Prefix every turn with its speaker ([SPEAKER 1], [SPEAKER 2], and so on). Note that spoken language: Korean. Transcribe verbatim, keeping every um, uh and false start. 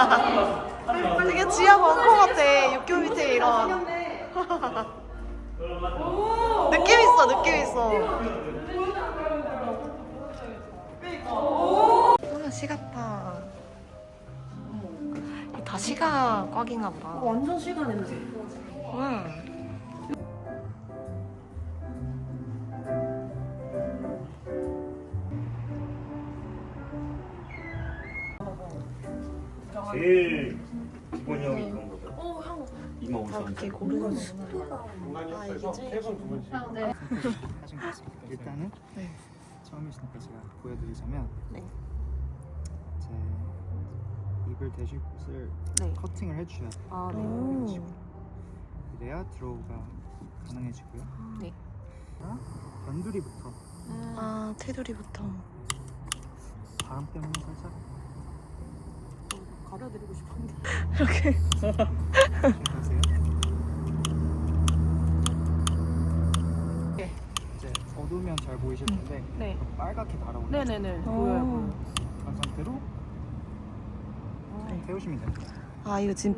[SPEAKER 1] 되게 지하 광고 같아. 육교 밑에 이런. 느낌 있어, 느낌 있어. 아, 시 같다. 다 시가 꽉인가 보다.
[SPEAKER 2] 완전 시간 냄새.
[SPEAKER 1] 와.
[SPEAKER 3] 제일 기본형이 그런 거죠.
[SPEAKER 2] 어, 향.
[SPEAKER 3] 이만 오천 원.
[SPEAKER 1] 이렇게 고르는 거.
[SPEAKER 3] 공간이
[SPEAKER 1] 이게 제일
[SPEAKER 3] 세번 두 번씩.
[SPEAKER 4] 하신 것 같습니다. 일단은
[SPEAKER 1] 네.
[SPEAKER 4] 처음이시니까 제가 보여드리자면
[SPEAKER 1] 네.
[SPEAKER 4] 제 입을 대실 곳을
[SPEAKER 1] 네.
[SPEAKER 4] 커팅을 해주셔야 돼요.
[SPEAKER 2] 아, 네.
[SPEAKER 4] 이런 식으로. 그래야 드로우가 가능해지고요.
[SPEAKER 1] 네.
[SPEAKER 4] 자, 변두리부터
[SPEAKER 1] 아, 테두리부터.
[SPEAKER 4] 바람 때문에 살짝
[SPEAKER 2] 가려드리고 싶은데.
[SPEAKER 1] 이렇게.
[SPEAKER 4] 조심하세요.
[SPEAKER 2] 네.
[SPEAKER 4] 이제 어두우면 잘 보이실 텐데
[SPEAKER 2] 네.
[SPEAKER 4] 빨갛게 달아오르는
[SPEAKER 2] 네네네.
[SPEAKER 1] 어.
[SPEAKER 2] 보여요, 보여요.
[SPEAKER 4] 그런 상태로
[SPEAKER 1] 네.
[SPEAKER 4] 태우시면 됩니다.
[SPEAKER 1] 아, 이거 지금